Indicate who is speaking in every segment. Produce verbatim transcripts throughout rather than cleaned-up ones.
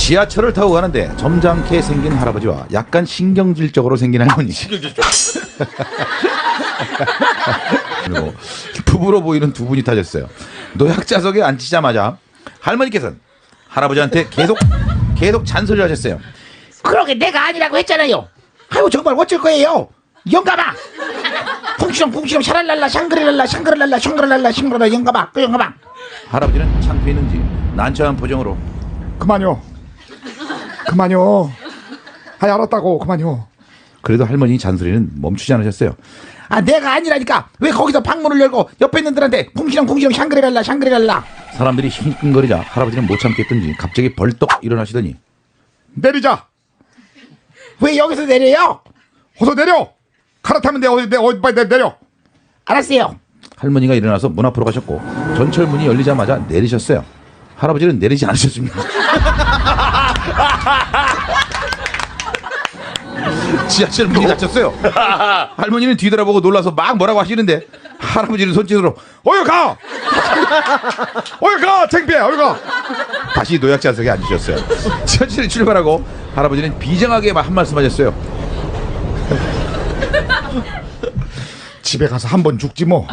Speaker 1: 지하철을 타고 가는데 점잖게 생긴 할아버지와 약간 신경질적으로 생긴 할머니.
Speaker 2: 신경질적.
Speaker 1: 그리고 부부로 보이는 두 분이 타셨어요. 노약자석에 앉히자마자 할머니께서는 할아버지한테 계속 계속 잔소리를 하셨어요.
Speaker 3: 그러게 내가 아니라고 했잖아요. 아이고 정말 어쩔 거예요. 영감아. 풍시렁 풍시렁 샤랄랄라 샹그릴랄라 샹그릴랄라 샹그릴랄라 샹그릴랄라 영감아 그 영감아.
Speaker 1: 할아버지는 창피했는지 난처한 표정으로
Speaker 4: 그만요. 그만요. 아이 알았다고 그만요.
Speaker 1: 그래도 할머니 잔소리는 멈추지 않으셨어요.
Speaker 3: 아 내가 아니라니까 왜 거기서 방문을 열고 옆에 있는 들한테 풍시렁 풍시렁 샹그릴랄라 샹그릴랄라.
Speaker 1: 사람들이 힐끔거리자 할아버지는 못 참겠던지 갑자기 벌떡 일어나시더니
Speaker 4: 내리자.
Speaker 3: 왜 여기서 내려요?
Speaker 4: 어서 내려. 갈아타면 돼. 어디 내 어디 빨리 내- 내려.
Speaker 3: 알았어요.
Speaker 1: 할머니가 일어나서 문 앞으로 가셨고 전철 문이 열리자마자 내리셨어요. 할아버지는 내리지 않으셨습니다. 지하철 문이 닫혔어요. 할머니는 뒤돌아보고 놀라서 막 뭐라고 하시는데 할아버지는 손짓으로
Speaker 4: 어여 가. 어여 가. 창피해. 어여 가.
Speaker 1: 다시 노약자석에 앉으셨어요. 지하철이 출발하고 할아버지는 비장하게 한 말씀 하셨어요.
Speaker 4: 집에 가서 한 번 죽지 뭐.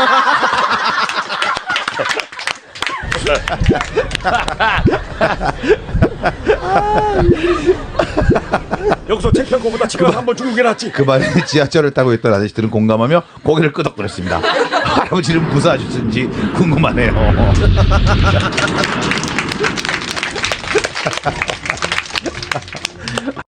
Speaker 2: 여기서 창피한 거보다 지금 한번 죽는 게 낫지.
Speaker 1: 그 말에 지하철을 타고 있던 아저씨들은 공감하며 고개를 끄덕거렸습니다. 할아버지는 무사하셨는지 궁금하네요.